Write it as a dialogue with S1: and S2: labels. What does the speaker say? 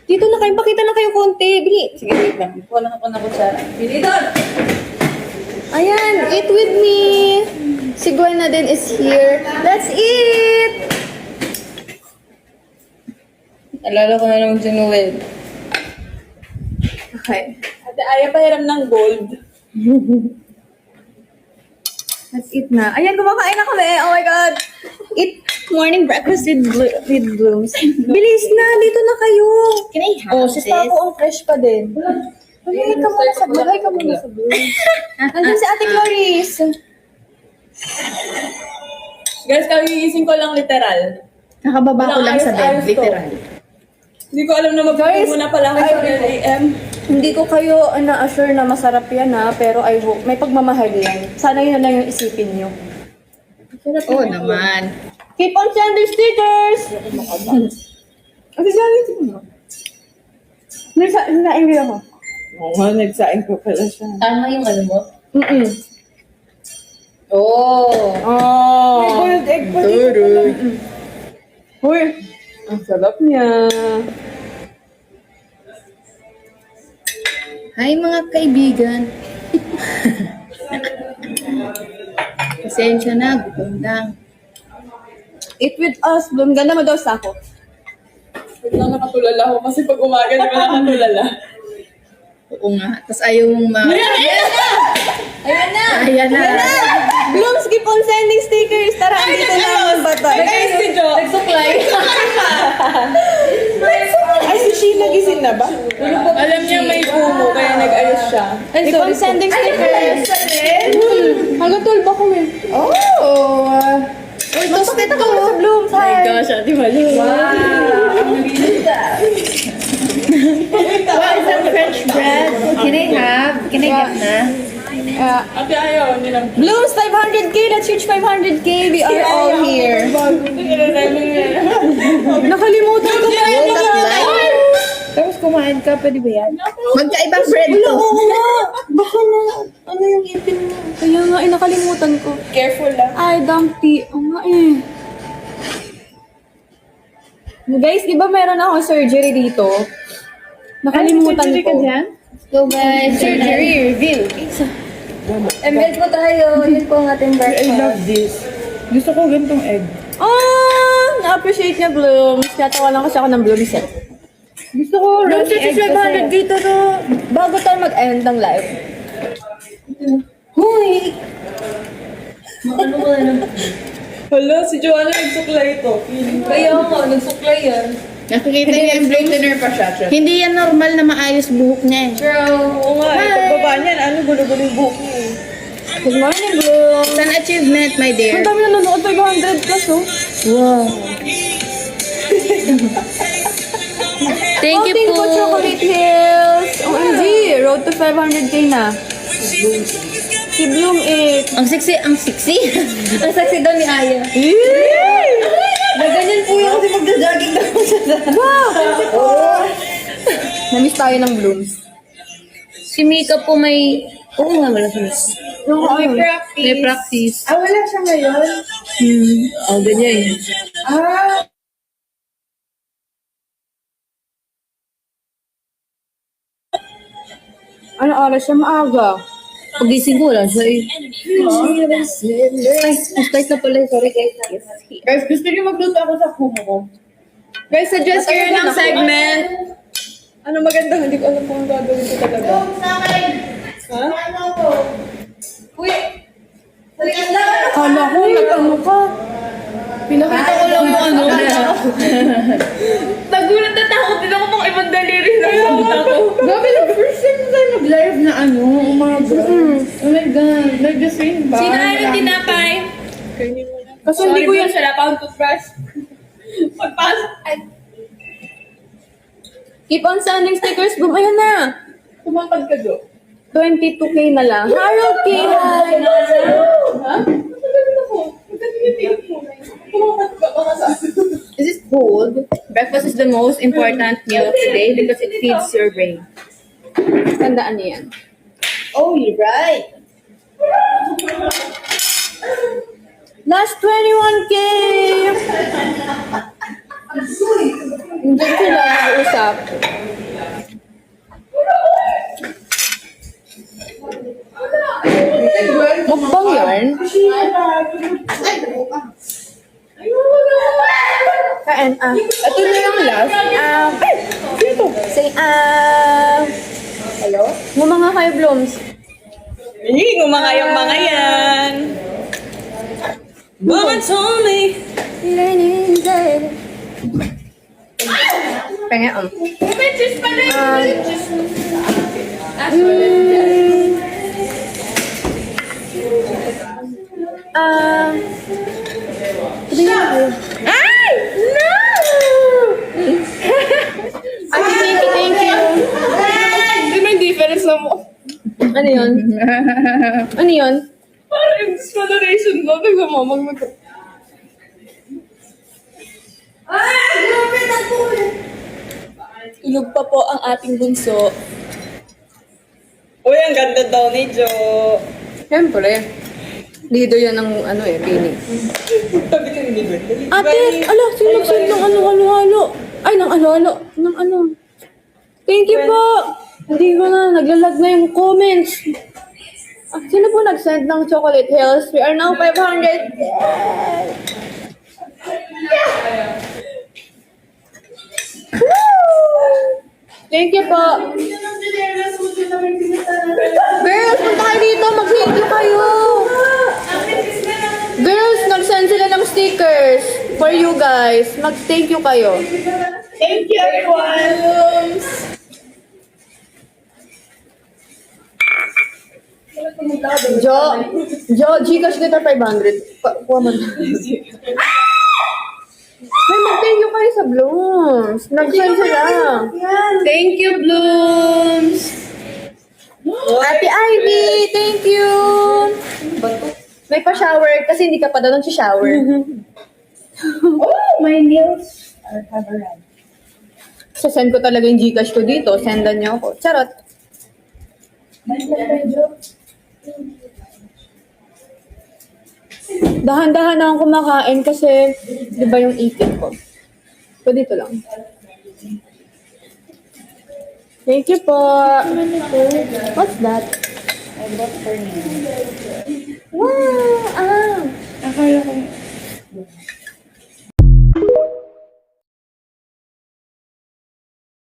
S1: Dito na kayo, pakita na kayo konti. Bili.
S2: Sige, wait lang. Kuha lang ako ng kutsara. Bili doon!
S1: Ayan, eat with me. Si Gwen na din is here. Let's eat!
S2: Alala ko na naman si Noel.
S1: Okay.
S2: Ate Aya, pahiram ng gold.
S1: Let's eat na. Ayan, kumakain na kami. Oh my God. Eat morning breakfast with blooms. Bilis na, dito na kayo.
S2: Can I have
S1: Oh, si Taco ang fresh pa din. Ay, ka muna sa blooms. Ay, ka muna sa blooms. Nandun si Ate Clarice.
S2: Guys, kagigising ko lang literal.
S3: Nakababa ko lang sa
S2: Ayos
S3: bed,
S2: to.
S3: literal.
S2: Hindi ko alam na
S1: Guys,
S2: mag-guys, muna pala ako sa 12 a.m.
S1: Hindi ko kayo na-assure na masarap yan ha, pero I hope may pagmamahal yan. Sana yun na lang yung isipin nyo.
S3: Oo naman.
S1: Keep on sending stickers! Ate Janet, mo. Nagsaing ako.
S2: Oo nga, nagsaing ko pala siya.
S3: Tama yung ano mo?
S1: Mm-mm.
S3: Oo.
S1: Oh.
S2: May boiled egg pa dito.
S1: Uy, ang sarap niya.
S3: Hi mga kaibigan. Pasensya na, gutom lang.
S1: Eat with us, Bloom. Ganda mo daw sa ako.
S2: Wait lang, nakatulala ako kasi pag umaga, di ba nakatulala?
S3: Oo nga. Tapos ayaw mong
S1: Ayan na!
S3: Ayan na.
S1: Blooms, keep on sending stickers. Tara, andito na ang batay.
S2: Guys, si Jo.
S3: Nagsuklay.
S2: Ay, si Sheila gising na ba? Alam niya may pumo, kaya nag-ayos siya.
S1: Keep on sending stickers. Hanggang 12 ako eh.
S3: Oh.
S1: Uy, toasted ako sa Blooms.
S3: My
S1: Hi.
S3: gosh, Ate Malu. What is a French bread? Can I have? Can I get na?
S2: Ate ayaw, hindi lang.
S1: Blooms, 500k. Let's reach 500k. We are all here. Nakalimutan ko pa yun.
S3: Tapos kumain ka, pwede ba yan? Magkaibang bread
S1: Wala,
S3: to.
S1: oo nga. Baka na, ano yung ipin mo? Kaya nga, nakalimutan ko.
S2: Careful lang.
S1: Ay, dumpy. Oo nga eh. Guys, di ba meron akong surgery dito? Nakalimutan
S2: surgery
S1: ko.
S2: ka dyan?
S3: So guys,
S1: Surgery reveal. Embed po tayo. Yun po ang ating breakfast.
S2: this. Gusto ko gantong egg.
S1: Oh, na-appreciate niya, Blooms. Natawalan kasi ako ng Blooms eh.
S2: Gusto ko
S1: Blooms,
S2: runny egg
S1: 500 dito to. Bago tayo mag-end ng live. Huy!
S2: Hala, si Joanna nagsuklay ito.
S1: Kaya nga, nagsuklay yan.
S3: Nakikita niyo yung blue pa siya. Hindi yan normal na maayos buhok niya eh.
S1: True.
S2: Oo nga, eh, pagbaba niyan, ano, gulo-gulo yung buhok niya eh.
S1: Good morning, Blooms.
S3: It's an achievement, my
S1: Ang
S3: dear.
S1: dami nanonood, 500 plus, oh.
S3: Wow. Thank you
S1: Outing
S3: po.
S1: po, Chocolate Hills. OMG, road to 500k na. Si Bloom eh.
S3: Ang sexy, ang sexy.
S1: Ang sexy daw ni Aya.
S2: Naganyan po yung kasi magda-jogging na po siya.
S1: Wow! Namiss tayo ng Blooms.
S3: Si Mika po may... Oo nga, wala siya. May practice.
S2: Ah, wala siya ngayon?
S3: Oh, ganyan.
S2: Ah,
S1: Ano oras siya? Maaga.
S3: Pagising ko, wala siya eh. Ay, start na pala. Sorry guys.
S2: guys, gusto niyo magluto ako sa kumo ko? Guys, suggest kayo ng segment. Ano maganda? Hindi ko alam kung ano gagawin ko talaga. Ha?
S1: Kala ko, nag-ano ka.
S3: Pinakita ko lang yung ano.
S2: Nagulat na takot din ako pang ibang daliri na nakita ko.
S3: Grabe na, first time na tayo nag-live na ano, umaga. Oh my God, nag-sing ba?
S2: Sino ayaw tinapay?
S1: Kasi hindi ko yan.
S2: Wala pa akong toothbrush. Pagpasok. Ay,
S1: Keep on sending stickers, Bloom. Ayan na.
S2: kumangkad ka, Jo.
S1: 22k na lang. Harold K. Hi.
S2: Ha? Maganda ako. Maganda yung tingin mo. Kumangkad ka baka sa
S3: This is cold. Breakfast is the most important meal of the day because it feeds your brain.
S1: Tandaan niyo yan.
S3: Oh, you're right.
S1: Last 21k! Hindi sila usap.
S2: yarn.
S1: Kain,
S2: Ito na yung last.
S1: Sino to? Say,
S2: Hello?
S1: ngumanga kayo, Blooms.
S3: Ngumanga yung mga yan. Mama told me.
S1: Pengen,
S2: Bitches pala
S1: Ay! No! Ay, thank you.
S2: Hindi may difference na mo.
S1: Ano yun? Ano yun?
S2: Parang yung discoloration ko. Tignan mo, Tulog pa po ang ating bunso.
S3: Uy, ang ganda daw ni Jo.
S1: Siyempre. Leader yan ng pini.
S3: Sabi ko ni Ben.
S1: Ate, ala, sinag-send ng halo-halo. Ay, ng halo-halo. Ng ano. Thank you po. Hindi ko na, naglalag na yung comments. Sino po nag-send ng chocolate hills? We are now 500. Thank you po. Girls, punta kayo dito. Mag-thank you kayo. Girls, nag-send sila ng stickers for you guys. Mag-thank you kayo.
S2: Thank you, everyone!
S1: Gcash kita 500. Kuha mo na. May mag-thank you kayo sa Blooms. Nag-send sila.
S2: Thank you, Blooms!
S1: Ate Ivy, thank you. May pa-shower kasi hindi ka pa daw nag-shower.
S2: Oh, my nails are covered.
S1: So, send ko talaga yung Gcash ko dito. Sendan niyo ako. Charot. Dahan-dahan na akong kumakain kasi, di ba yung eating ko? So, dito lang. Thank you po. What's that?
S2: I bought for you.
S1: Wow!
S2: Akala ko